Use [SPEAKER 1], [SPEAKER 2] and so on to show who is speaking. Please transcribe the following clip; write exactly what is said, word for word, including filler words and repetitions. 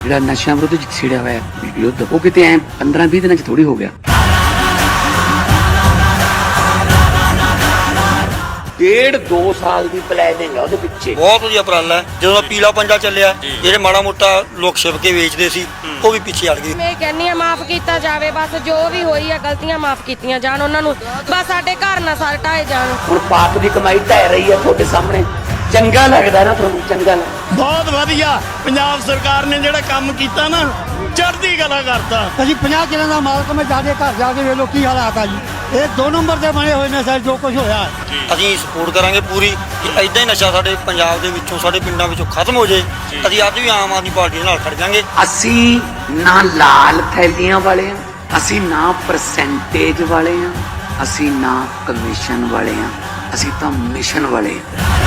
[SPEAKER 1] ਜਿਹੜਾ ਨਸ਼ਿਆਂ ਵਿਰੁੱਧ ਛਿੜਿਆ ਹੋਇਆ ਯੁੱਧ ਉਹ ਕਿਤੇ ਐ ਪੰਦਰਾਂ ਵੀਹ ਦਿਨਾਂ ਚ ਥੋੜੀ ਹੋ ਗਿਆ। ਡੇਢ ਦੋ ਸਾਲ ਦੀ ਪਲੈਨਿੰਗ ਆ ਉਹਦੇ ਪਿੱਛੇ।
[SPEAKER 2] ਬਹੁਤ ਵਧੀਆ ਉਪਰਾਲਾ ਹੈ। ਜਦੋਂ ਪੀਲਾ ਪੰਜਾ ਚੱਲਿਆ, ਜਿਹੜੇ ਮਾੜਾ ਮੋਟਾ ਲੋਕ ਛਿਪ ਕੇ ਵੇਚਦੇ ਸੀ ਉਹ ਵੀ ਪਿੱਛੇ ਹਟ ਗਏ।
[SPEAKER 3] ਮੈਂ ਕਹਿੰਨੀ ਆ ਮਾਫ ਕੀਤਾ ਜਾਵੇ, ਬਸ ਜੋ ਵੀ ਹੋਈ ਆ ਗਲਤੀਆਂ ਮਾਫ ਕੀਤੀਆਂ ਜਾਣ ਉਹਨਾਂ ਨੂੰ, ਬਸ ਸਾਡੇ ਘਰ ਨਾ ਸਾਰੇ ਢਾਏ ਜਾਣ।
[SPEAKER 1] ਹੁਣ ਪਾਪ ਦੀ ਕਮਾਈ ਢਹਿ ਰਹੀ ਹੈ ਤੁਹਾਡੇ ਸਾਹਮਣੇ, ਚੰਗਾ ਲੱਗਦਾ ਨਾ ਤੁਹਾਨੂੰ? ਚੰਗਾ ਲੱਗਦਾ।
[SPEAKER 4] ਬਹੁਤ ਵਧੀਆ ਪੰਜਾਬ ਸਰਕਾਰ ਨੇ ਜਿਹੜਾ ਕੰਮ ਕੀਤਾ ਨਾ, ਚੜ੍ਹਦੀ ਕਲਾ ਕਰਤਾ।
[SPEAKER 5] ਅਸੀਂ ਪੰਜਾਹ ਕਿੱਲਿਆਂ ਦਾ ਮਾਲਕ, ਮੈਂ ਜਾ ਕੇ ਘਰ ਜਾ ਕੇ ਵੇਖ ਲੋ ਕੀ ਹਾਲਾਤ ਆ ਜੀ। ਇਹ ਦੋ ਨੰਬਰ ਦੇ ਬਣੇ ਹੋਏ ਨੇ ਸਰ, ਜੋ ਕੁਝ ਹੋਇਆ।
[SPEAKER 2] ਅਸੀਂ ਸਪੋਰਟ ਕਰਾਂਗੇ ਪੂਰੀ ਕਿ ਐਦਾਂ ਹੀ ਨਸ਼ਾ ਸਾਡੇ ਪੰਜਾਬ ਦੇ ਵਿੱਚੋਂ, ਸਾਡੇ ਪਿੰਡਾਂ ਵਿੱਚੋਂ ਖਤਮ ਹੋ ਜਾਏ। ਅਸੀਂ ਅੱਜ ਵੀ ਆਮ ਆਦਮੀ ਪਾਰਟੀ ਦੇ ਨਾਲ ਖੜ ਜਾਾਂਗੇ।
[SPEAKER 1] ਅਸੀਂ ਨਾ ਲਾਲ ਥੈਲੀਆਂ ਵਾਲੇ ਆ, ਅਸੀਂ ਨਾ ਪਰਸੈਂਟੇਜ ਵਾਲੇ ਆ, ਅਸੀਂ ਨਾ ਕਮਿਸ਼ਨ ਵਾਲੇ ਆ, ਅਸੀਂ ਤਾਂ ਮਿਸ਼ਨ ਵਾਲੇ ਆ।